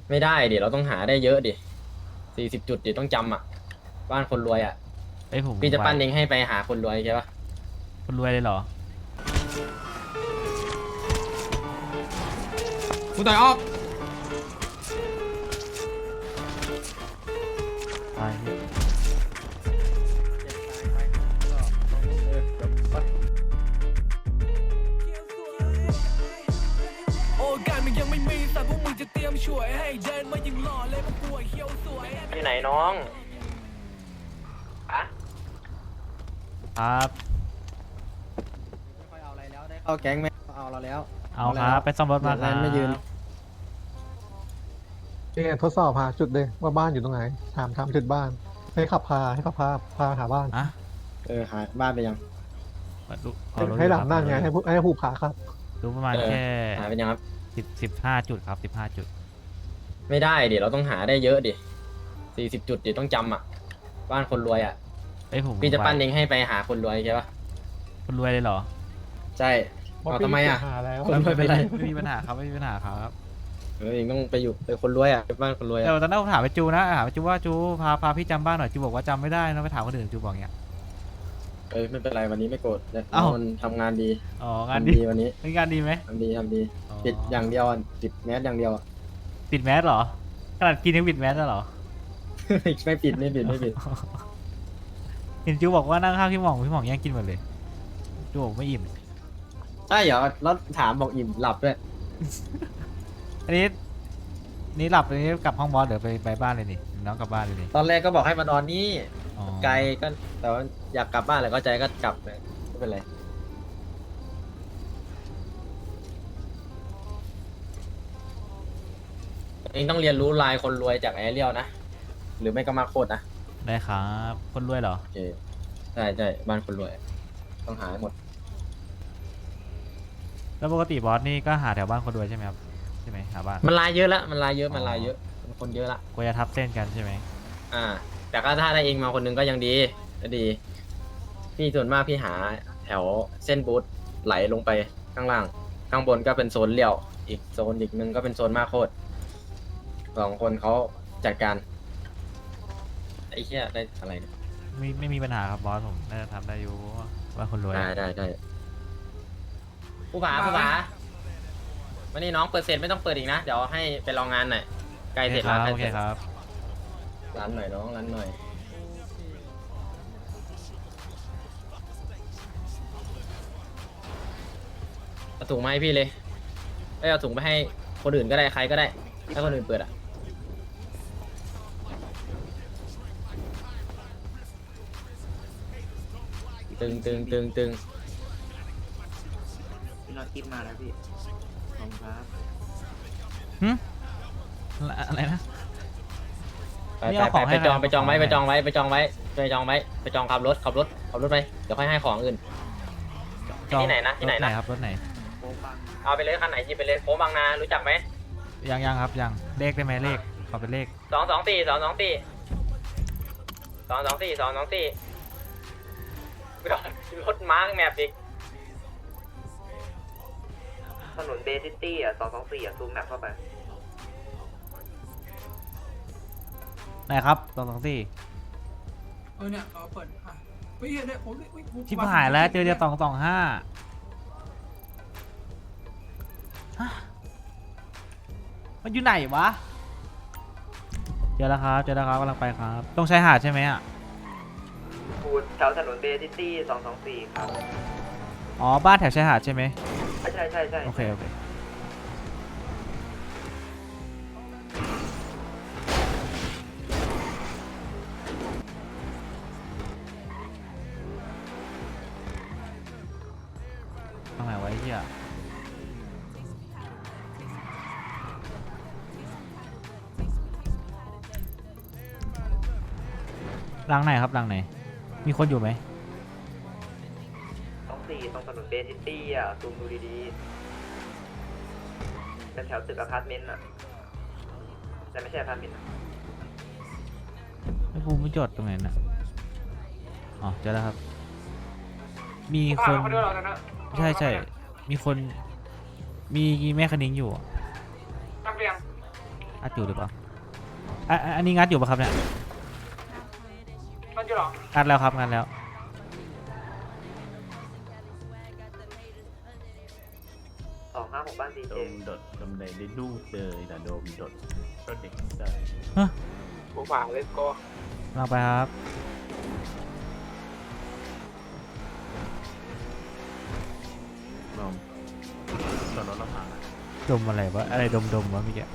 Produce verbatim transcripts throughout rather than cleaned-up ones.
ไม่ได้ดิเราต้องหาได้เยอะดิสี่สิบจุดดิต้องจำอ่ะบ้านคนรวยอ่ะเอ้ยผมพี่จะไหวปั้นเองให้ไปหาคนรวยใช่ปะคนรวยเลยเหรอกูต่อยออกไปพี่โอกาสมันยังไม่มีแต่พวกมึงจะเตรียมช่วยให้เดินมายังหล่อเลยพวกกูเขี้ยวสวยอยู่ไหนน้องอะครับไม่ค่อยเอาอะไรแล้วได้เข้าแก๊งไหมเอาเราแล้วเอาครับไปซ่อมรถมาครับไม่ยืนเนี่ยทดสอบหาจุดเลยว่าบ้านอยู่ตรงไหนถามถามจุดบ้านให้ขับพาให้ขับพาพาหาบ้านอะเออหาบ้านไปยังมาดูให้ให้หลับนั่นไงให้ผู้ให้ผู้พาครับดูประมาณเออแค่หาไปยังครับสิบสิบห้าจุดครับสิบห้าจุดไม่ได้ดิเราต้องหาได้เยอะดิสี่สิบจุดดิต้องจำอ่ะบ้านคนรวยอ่ะเอ้ยผมพี่จะปั้นไหวเองให้ไปหาคนรวยใช่ปะคนรวยเลยเหรอใช่เอาทำไมอ่ะหาแล้วคนรวยเป็นไรไม่มีปัญหาครับไม่มีปัญหาครับเออเองต้องไปอยู่ไปคนรวยอ่ะไปบ้านคนรวยแต่อ่ะตอนนั้นผมถามไปจูนะถามไปจูว่าจูพาพาพี่จำบ้านหน่อยจูบอกว่าจำไม่ได้นะไปถามคนอื่นจูบอกอย่างเงี้ยเออไม่เป็นไรวันนี้ไม่โกรธเนี่ยเอ้ามันทำงานดีอ๋องานทำดีดีวันนี้เป็นงานดีไหมทำดีทำดีอ๋อปิดอย่างเดียวอะปิดแมสอย่างเดียวอะปิดแมสเหรอขนาดกินยังปิดแมสแล้วเหรอไม่ปิดไม่ปิดไม่ปิดเห็นจูบอกว่านั่งข้างพี่หม่องพี่หม่องแย่งกินหมดเลยจูบอกไม่อิ่มใช่เหรอแล้วถามบอกอิ่มหลับด้วยอันนี้นี่หลับอันนี้กลับห้องบอสเดี๋ยวไปไปบ้านเลยนี่น้องกลับบ้านเลยนี่ตอนแรกก็บอกให้มานอนนี่อ๋อไกลก็แต่ว่าอยากกลับบ้านแหละก็ใจก็กลับเลยไม่เป็นไรเองต้องเรียนรู้ลายคนรวยจากแอเรียลนะหรือไม่ก็มาโคตรนะได้ครับคนรวยเหรอโอเคใช่ใช่บ้านคนรวย ต้องหาให้หมดแล้วปกติบอสนี่ก็หาแถวบ้านคนรวยใช่ไหมครับใช่ไหมหาบ้านมันลายเยอะละมันลายเยอะมันอ๋อลายเยอะมันคนเยอะละกลัวจะทับเส้นกันใช่ไหมอ่า แต่ก็ถ้าได้เองมาคนหนึงก็ยังดีก็ดี พี่ส่วนมากพี่หาแถวเส้นบูธไหลลงไปข้างล่าง ข้างบนก็เป็นโซนเลี้ยว อีกโซนอีกหนึงก็เป็นโซนมาโคตรสองคนเขาจัดการไอ้เหี้ยได้อะไรเนี่ยไม่ไม่มีปัญหาครับบอสผมน่าจะทำได้อยู่บ้านคนรวยได้ได้ได้ผู้ผาผู้ผาวันนี้น้องเปิดเสร็จไม่ต้องเปิดอีกนะ เดี๋ยวให้ไปลองงานหน่อยใกล้โอเสเคร็จคแล้วรับใกล้โอเสเคร็จครับร้านหน่อยน้องร้านหน่อยเอาถุงมาให้พี่เลยเอ้ยเอาถุงไปให้คนอื่นก็ได้ใครก็ได้ให้คนอื่นเปิดอ่ะตึงตึงตึงตึงพี่น็อตคิดมาแล้วพี่ขอบคุณครับหึอะไรนะไปนี่ไปเอาของไปให้ไปจองใครไปจองไว้เอาของไปให้จองไว้ไปจองไว้ไปจองไว้ไปจองขับรถขับรถขับรถไปเดี๋ยวค่อยให้ของอื่นจองที่ไหนนะที่ไหนนะรถครับรถไหนโค้งปังเอาไปเลยคันไหนหยิบไปเลยโค้งบางนารู้จักไหมยังยังครับยังเลขได้ไหมเลขขอเป็นเลขสองสองสี่สองสองสี่สองสองสี่สองสองสี่รถมาร์กแมปอีกถนนเบซิตี้อ่ะสองสองสี่อ่ะซูมแมปเข้าไปไหนครับสองสองสี่เออเนี่ยเออเปิดอ่ะเฮ้ยเนี่ยผมเฮ้ยผมชิบหายแล้วเจอเดียวสองสองห้ามันอยู่ไหนวะเจอแล้วครับเจอแล้วครับกำลังไปครับต้องใช้หาดใช่ไหมอ่ะพูดแถวถนนเบซิตี้สองสองสี่ครับอ๋อบ้านแถวชายหาดใช่ไหมใช่ใช่ใช่โอเคโอเคทำไมไวะไอ้เหี้ยหลังไหนครับหลังไหนมีคนอยู่ไหมสองสี่ตรงถนนเบซิตี้อ่ะซูมดูดีๆเป็นแถวตึกอพาร์ตเมนต์อ่ะแต่ไม่ใช่อพาร์ตเมนต์ไอ้ภูมิไม่จดตรงไหนน่ะอ๋อเจอแล้วครับ มีคน ใช่ใช่มีคน มีแม่คณิ้งอยู่อะงัดอยู่หรือเปล่าอ่ะอ่ะอันนี้งัดอยู่ปะครับเนี่ยมันจะหรองัดแล้วครับงัดแล้วสองห้าหกบ้านดีโดเจมดดดมใดได้ดูเจอแต่โดมดดก็เด็กได้ฮะกูฝากเลยก็ลองไปครับลองตอนรถเราผ่านดมอะไรวะอะไรดมดมวะเมื่อกี้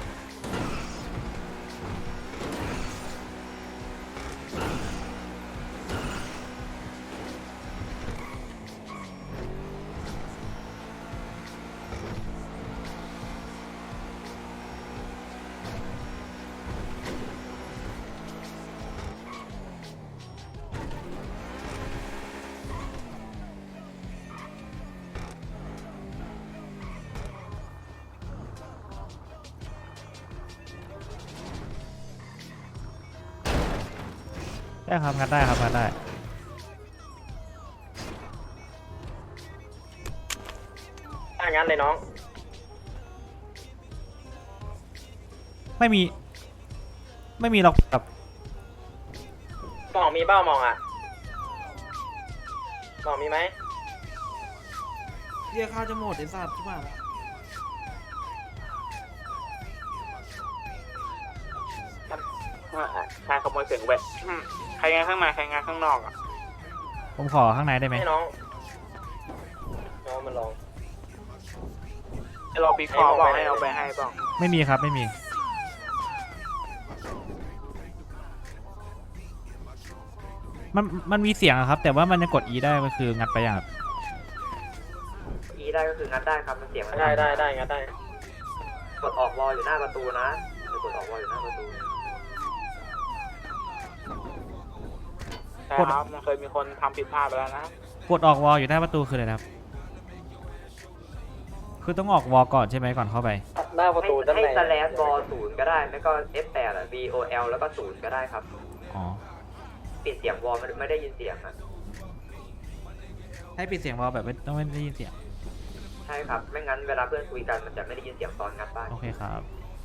ได้ครับงัดได้ครับงัดได้ถ้างั้นเลยน้องไม่มี ไม่มีหรอกครับมองมีเบ้ามองอ่ะมองมีไหมเรียกข้าวจะหมดไอ้สัตว์ใช่ป่ะใครขโมยเสียงแหวะใครงานข้างในใครงานข้างนอกอ่ะผมขอข้างในได้ไหมให้น้องน้องมันลองไอ้รอปีคอบอกให้เอาไปให้บ้างไม่มีครับไม่มี มันมันมีเสียงอะครับ แต่ว่ามันจะกด E ได้มันคืองัดไปอย่างครับอีได้ก็คืองัดได้ครับมันเสียงมันได้ได้ได้งั้นได้กดออกวอลอยู่หน้าประตูนะหรือกดออกวอลอยู่หน้าประตูใช่ครับมันเคยมีคนทำผิดพลาดไปแล้วนะกดออกวอลอยู่หน้าประตูคืออะไรนะครับ คือต้องออกวอลก่อนใช่ไหมก่อนเข้าไปหน้าประตูด้านให้ในสแลชบอลศูนย์ก็ได้ไม่ก็ เอฟ แปด อ่ะ B O L แล้วก็ศูนย์ก็ได้ครับอ๋อปิดเสียงวอลไม่ไม่ได้ยินเสียงอ่ะให้ปิดเสียงวอลแบบไม่ต้องไม่ได้ยินเสียงใช่ครับไม่งั้นเวลาเพื่อนคุยกันมันจะไม่ได้ยินเสียงตอนงัดบ้านโอเคครับ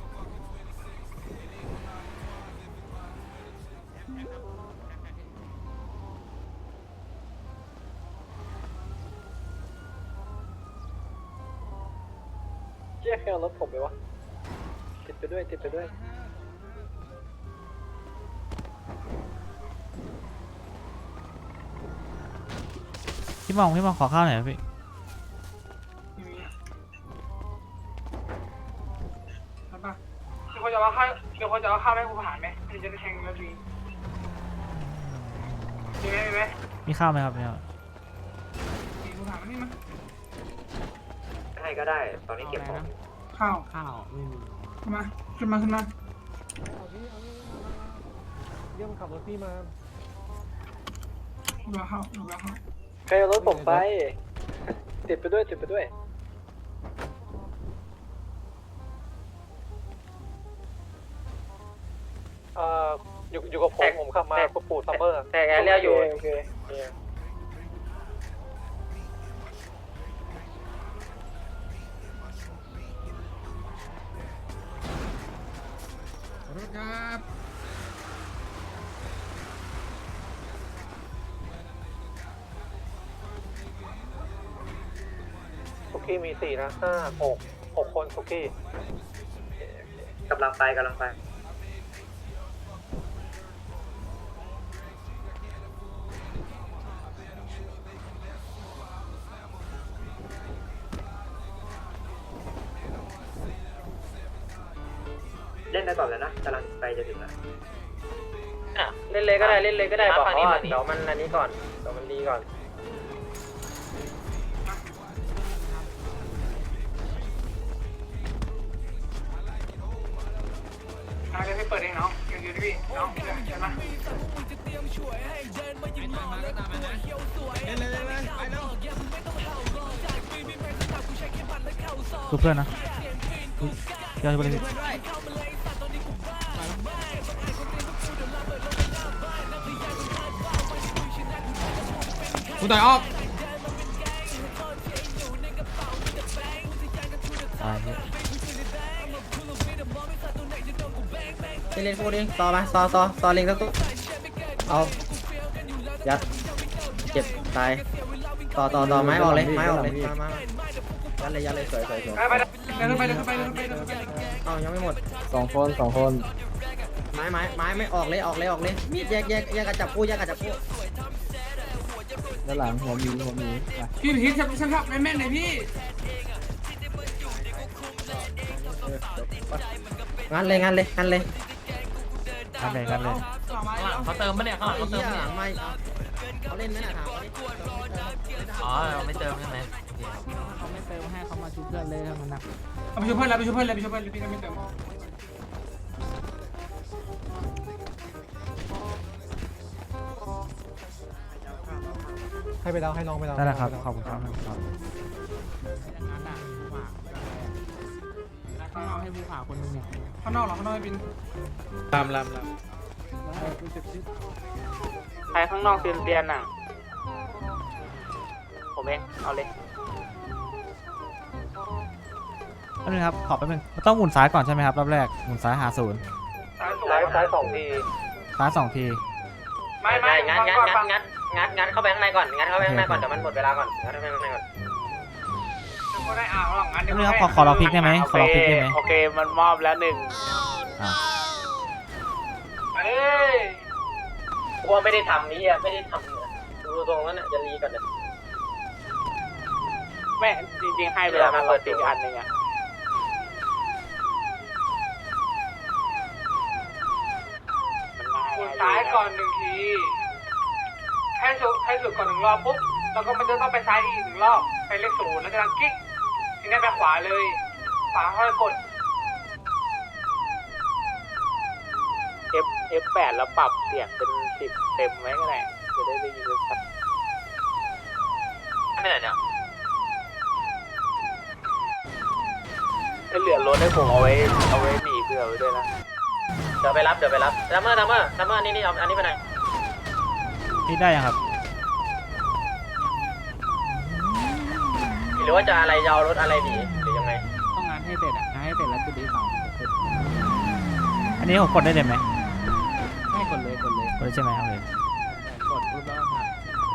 เจ๊แค่เอารถผมไปวะติดไปด้วยติดไปด้วยพี่มองพี่มองขอข้าวหน่อยครับพี่ใช่ปะมีคนจะเอาข้าวมีคนจะเอาข้าวให้กูผ่านไหมถึงจะได้แทงนาทีมีไหมมีไหมมีข้าวไหมครับเนี่ยมีกูผ่านมานี่มั้ยให้ก็ได้ตอนนี้เก็บของข้าวข้าวขึ้นมาขึ้นมาขึ้นมาเรียกมันขับรถพี่มาดูแลข้าวดูแลข้าวใครเอารถผมไป ติดไปด้วยติดไปด้วยเอ่อ อยู่อยู่กับผม ผมขับมาปูปูซัมเมอร์แต่แกเรียกอยู่โอเครถครับสุกี้มีสี่นะห้าหกหกคนสุกี้กำลังไปกำลังไปเล่นได้ก่อนเลยนะกำลังไปจะถึงแล้วอ่ะเล่นเลยก็ได้เล่นเลยก็ได้บอกเขาว่าเดี๋ยวมันอันนี้ก่อนเดี๋ยวมันดีก่อนอ่ะเดี๋ยวให้เปิดเองเนาะเดี๋ยวอยู่ที่พี่เนาะเดี๋ยวเดี๋ยวนะดูเพื่อนนะอุ๊ยเดี๋ยวไปเลยพี่กูต่อยออกตายพี่เล่นโคตรเองต่อมาต่อต่อต่อเล็งสักตัวเอายัดเจ็บตายต่อต่อต่อไม้ออกเลยไม้ออกเลยมามายัดเลยยัดเลยสวยสวยสวยไปไปเดินไปเดินไปเดินไปเดินไปเอายังไม่หมดสองคนสองคนไม้ไม้ไม้ไม่ออกเลยออกเลยออกเลยมีดแยกแยกแยกกันจับคู่แยกกันจับคู่ด้านหลังหัวมีหัวมีพี่พีทฉันฉันทับแม่นๆหน่อยพี่งั้นเลยงั้นเลยงั้นเลยกันเลยกันเลยเขาเติมปะเนี่ยเขาเขาเติมหเนี่ยลังไม่เขาเล่นไหมน่ะถามเขาดิอ๋อไม่เติมใช่ไหมเขาไม่เติมให้เขามาชุบเพื่อนเลยถ้ามันหนักเอาไปช่วยเพื่อนแล้วไปช่วยเพื่อนเลยไปช่วยเพื่อนเลยพี่ก็ไม่เติมให้ไปแล้วให้น้องไปแล้วได้แล้วครับขอบคุณครับครับข้างนอกให้ผู้ผ่าคนนึงเนี่ยข้างนอกเหรอข้างนอกไม่เป็นลามลามลามใครข้างนอกเตียนเตียนน่ะผมเองเอาเลยแป๊บนึงครับขอแป๊บนึงต้องหมุนซ้ายก่อนใช่ไหมครับรอบแรกหมุนซ้ายหาศูนย์ซ้ายซ้ายสองทีซ้ายสองทีไม่ไม่งัดงัดงัดงัดงัดงัดเข้าไปข้างในก่อนงัดเข้าไปข้างในก่อนเดี๋ยวมันหมดเวลาก่อนงัดเข้าไปข้างในก่อนก็ได้อ่าวหรอกงั้นแป๊บนึงครับขอขอเราพลิกได้ไหมขอเราพลิกได้ไหมโอเคมันมอบแล้วหนึ่งอ่าเอ้ยกูว่าไม่ได้ทำนี่อ่ะไม่ได้ทำเนี่ยดูตรงนั้นน่ะจะรีก่อนเดี๋ยวแม่จริงๆให้เวลามาเปิดอีกอันหนึ่งอ่ะคุณซ้ายก่อนหนึ่งทีให้สุดให้สุดก่อนหนึ่งรอบปุ๊บแล้วก็มันจะต้องไปซ้ายอีกหนึ่งรอบไปเลขศูนย์แล้วจะดังกิ๊กทีนี้ไปขวาเลยขวาค่อยกด F F แปดแล้วปรับเสียงเป็นสิบเต็มไว้ก็ได้จะได้ได้ยินชัดไม่ไหนเนี่ยให้เหลือรถให้ผมเอาไว้เอาไว้หนีเผื่อไว้ด้วยนะเดี๋ยวไปรับเดี๋ยวไปรับดัมเมอร์ดัมเมอร์ดัมเมอร์นี่นี่เอาอันนี้ไปไหนนี่ได้ยังครับหรือว่าจะอะไรยาวรถอะไรดีหรือยังไงต้องงานให้เสร็จอ่ะงานให้เสร็จแล้วจุดที่สองอันนี้ผมกดได้เลยไหมให้กดเลยกดเลยกดได้ใช่ไหมโอเคกดปุ๊บแล้วครับ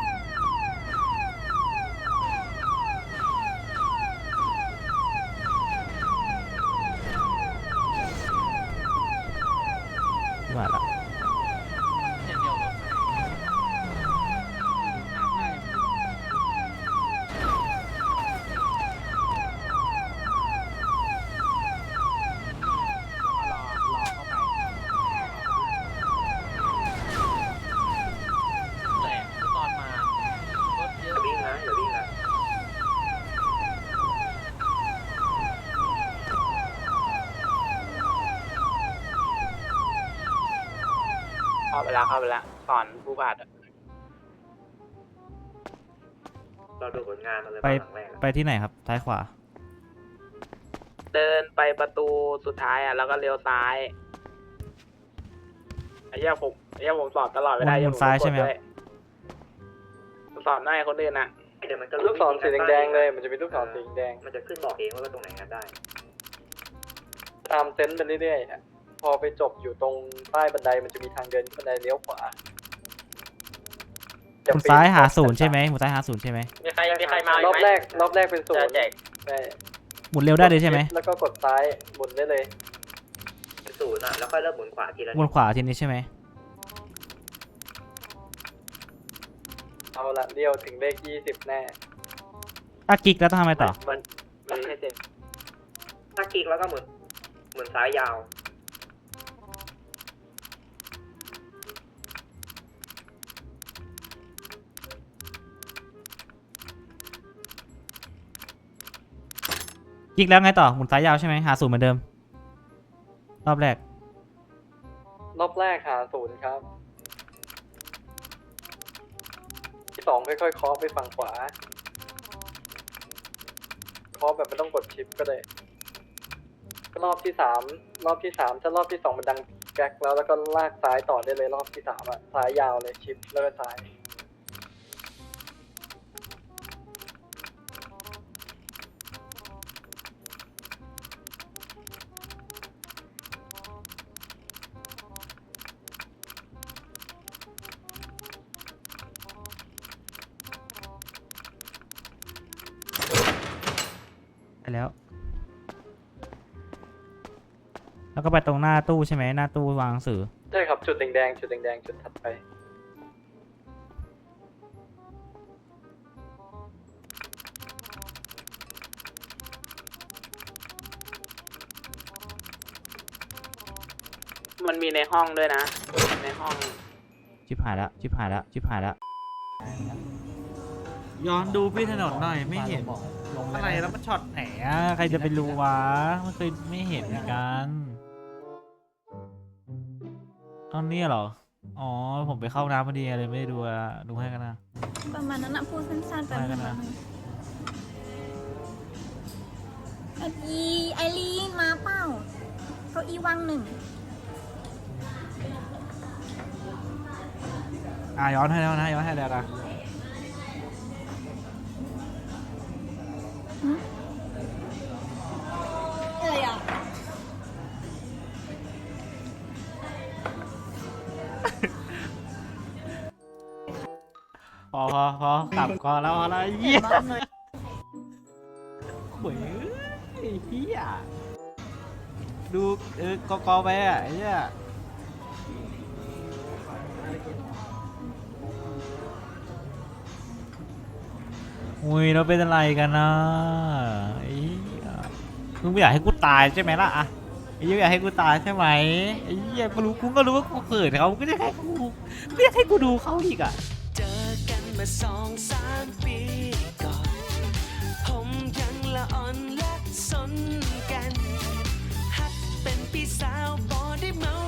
มาละวิ่งนะอย่าวิ่งนะเข้าไปแล้วเข้าไปแล้วสอนผู้บาดเราดูผลงานอะไรไปหลังแรกไปที่ไหนครับซ้ายขวาเดินไปประตูสุดท้ายอ่ะแล้วก็เลี้ยวซ้ายไอ้เหี้ยผมไอ้เหี้ยผมสอนตลอดไม่ได้หมุนซ้ายใช่ไหมครับผมสอนได้คนอื่นอ่ะเดี๋ยวมันก็ลูกศรสีแดงๆเลยมันจะมีลูกศรสีแดงมันจะขึ้นบอกเองว่าตรงไหนงัดได้ตามเซนต์ไปเรื่อยๆอะพอไปจบอยู่ตรงใต้บันไดมันจะมีทางเดินบันไดเลี้ยวขวาหมุนซ้ายหาศูนย์ใช่ไหมหมุนซ้ายหาศูนย์ใช่ไหมมีใครมีใครมารอบแรกรอบแรกเป็นศูนจะย์แจกได้หมุนเร็วได้เลยใช่ไหมแล้วก็กดซ้ายหมุนได้เลยเป็นศูนย์อ่ะแล้วค่อยเริ่มหมุนขวาทีละหมุนขวาทีนี้ใช่ไหมเอาละเดียวถึงเลขยี่สิบแน่ถ้ากิ๊กแล้วต้องทำไงต่อมันมันให้เสร็จถ้าคลิกแล้วก็หมุนหมุนซ้ายยาวกิ๊กแล้วไงต่อหมุนซ้ายยาวใช่ไหมหาศูนย์เหมือนเดิม รอบแรกรอบแรกหาศูนย์ครับที่สองค่อยๆเคาะไปฝั่งขวาเคาะแบบไม่ต้องกดชิปก็ได้รอบที่สามรอบที่สามถ้ารอบที่สองมันดังแก๊กแล้วแล้วก็ลากซ้ายต่อได้เลยรอบที่สามอะซ้ายยาวเลยชิปแล้วก็ซ้ายไปแล้ว แล้วก็ไปตรงหน้าตู้ใช่ไหมหน้าตู้วางหนังสือใช่ครับจุดแดงๆจุดแดงๆจุดถัดไปมันมีในห้องด้วยนะ ในห้องชิบหายแล้วชิบหายแล้วชิบหายแล้วย้อนดูพี่ถนนหน่อยไม่เห็นอะไรแล้วมันช็อตไหนอะใครจะไปรู้วะไม่เคยไม่เห็นเหมือนกันตอนนี้เหรออ๋อผมไปเข้าน้ำพอดีเลยไม่ได้ดูอะดูให้กันนะประมาณนั้นนะพูดสั้นๆไปได้กันนะไออีไอรีนมาเปล่าเก้าอี้ว่างหนึ่งอ่ะย้อนให้แล้วนะย้อนให้แล้วนะอะไรอ่ะพอพอพอกลับก่อนแล้วพอแล้วเยี่ยโอ้ยเฮ้ยเฮียดูเออกอกอไปอ่ะไอ้เหี้ยอุ้ยเราเป็นอะไรกันนะไอ้เหี้ยมึงไม่อยากให้กูตายใช่ไหมล่ะอะไอ้เหี้ยอยากให้กูตายใช่ไหมไอ้เหี้ยกูรู้กูก็รู้ว่ากูเขินเขาก็จะให้กูไม่อยากให้กูดูเขาอีกอ่ะเจอกันมาสองสามปีก่อน ผมยังละอ่อนและสนกัน ฮักเป็นพี่สาวบอได้เมา